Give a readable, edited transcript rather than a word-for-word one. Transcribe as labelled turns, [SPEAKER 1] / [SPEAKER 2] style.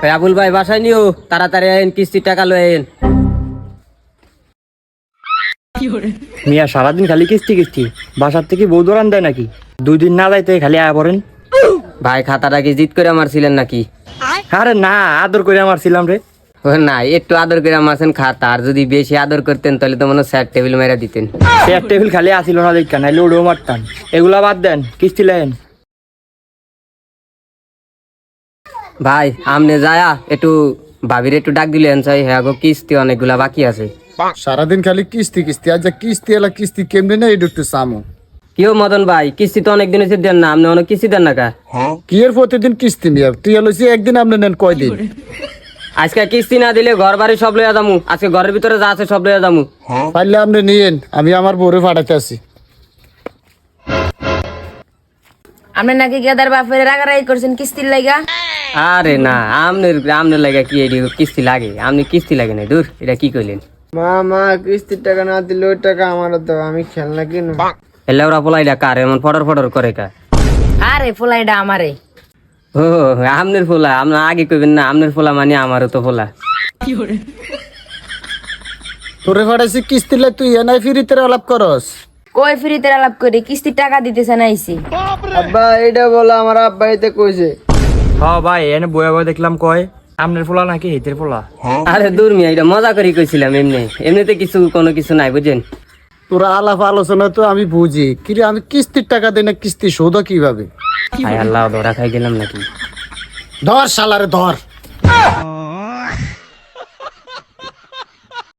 [SPEAKER 1] আবুল ভাই বাসায় নিও, তাড়াতাড়ি আইন, কিস্তির টাকা লয়ে আইন।
[SPEAKER 2] মিয়া সারাদিন খালি কিস্তি কিস্তি, বাসার থেকে বউ দৌড়ান দেয় নাকি? 2 দিন না যাইতে খালি আয়া পড়েন।
[SPEAKER 1] ভাই খাতাটা কি জিত করে মারছিলেন নাকি?
[SPEAKER 2] আরে না, আদর করে মারছিলাম রে।
[SPEAKER 1] ও না, একটু আদর করে মারছেন খাতা, আর যদি বেশি আদর করতেন তাহলে তো মনে হয় স্যার টেবিল মেরা দিতেন।
[SPEAKER 2] চেয়ার টেবিল খালি আসিল না দেখা, নাইলে ওড়েও মারতাম। এগুলা বাদ দেন, কিস্তি লেন।
[SPEAKER 1] ভাই আমনে যায়া একটু ভাবির একটু ডাক দিলেন চাই, হ্যাঁ গো কিস্তি অনেকগুলা বাকি আছে।
[SPEAKER 3] সারাদিন খালি কিস্তি কিস্তি, আজ কিস্তি এলা কিস্তি কেমনে না এটা একটু সামো।
[SPEAKER 1] কেউ মদন ভাই কিস্তি তো অনেক দিন হচ্ছে দেন না, আপনি অনেক কিস্তি দেন না কা?
[SPEAKER 3] কি এর প্রতিদিন কিস্তি নিয়ে তুই এলোছি একদিন আপনি নেন কয়দিন?
[SPEAKER 1] আজকে কিস্তি না দিলে ঘর বাড়ি সব লইয়া যামু, আজকে ঘরের ভিতরে যা আছে সব লইয়া যামু।
[SPEAKER 3] পারলে আপনি নিয়েন, আমি আমার বউরে পাঠাতে আসি।
[SPEAKER 4] আপনি নাকি গেদার বাপের রাগারাগি করছেন কিস্তির লাগা?
[SPEAKER 1] আরে না, আমনের লাগা কি এডি কিস্তি লাগে? আপনি কিস্তি লাগে না, দূর, এটা কি কইলেন?
[SPEAKER 5] মা কিস্তির টাকা না দিলে ওই টাকা আমার দাও, আমি খেলনা কিনবো।
[SPEAKER 1] এলে ওরা পোলাইটা কার এমন ফটর ফটর করে কা?
[SPEAKER 4] আরে ফোলাইডা আমারে।
[SPEAKER 1] ও আমনের ফোলা, আপনার আগে কইবেন না, আমনের ফোলা মানে আমারও তো ফোলা।
[SPEAKER 3] তোরে পাঠাইছি কিস্তি লাই, তুই এনাই ফিরিতে আলাপ করস।
[SPEAKER 4] কই ফ্রিতে আলাপ করে কিস্তির টাকা দিতেছে না আইছি।
[SPEAKER 5] আব্বা এটা বলো, আমার আব্বা এতে কইছে।
[SPEAKER 2] হ্যাঁ ভাই, এনে বয়া বয়া দেখলাম কয় আমনের পোলা নাকি হিতের পোলা।
[SPEAKER 1] আরে দূর মিয়া, এটা মজা করে কইছিলাম, এমনিতে কিছু কোনো কিছু নাই বুঝেন।
[SPEAKER 3] তোরা আলাপ আলোচনা তো আমি বুঝি, কিন্তু আমি কিস্তির টাকা দেই না, কিস্তি শোধ কিভাবে?
[SPEAKER 1] হায় আল্লাহ, ধরা খাই গেলাম নাকি?
[SPEAKER 3] ধর শালারে ধর।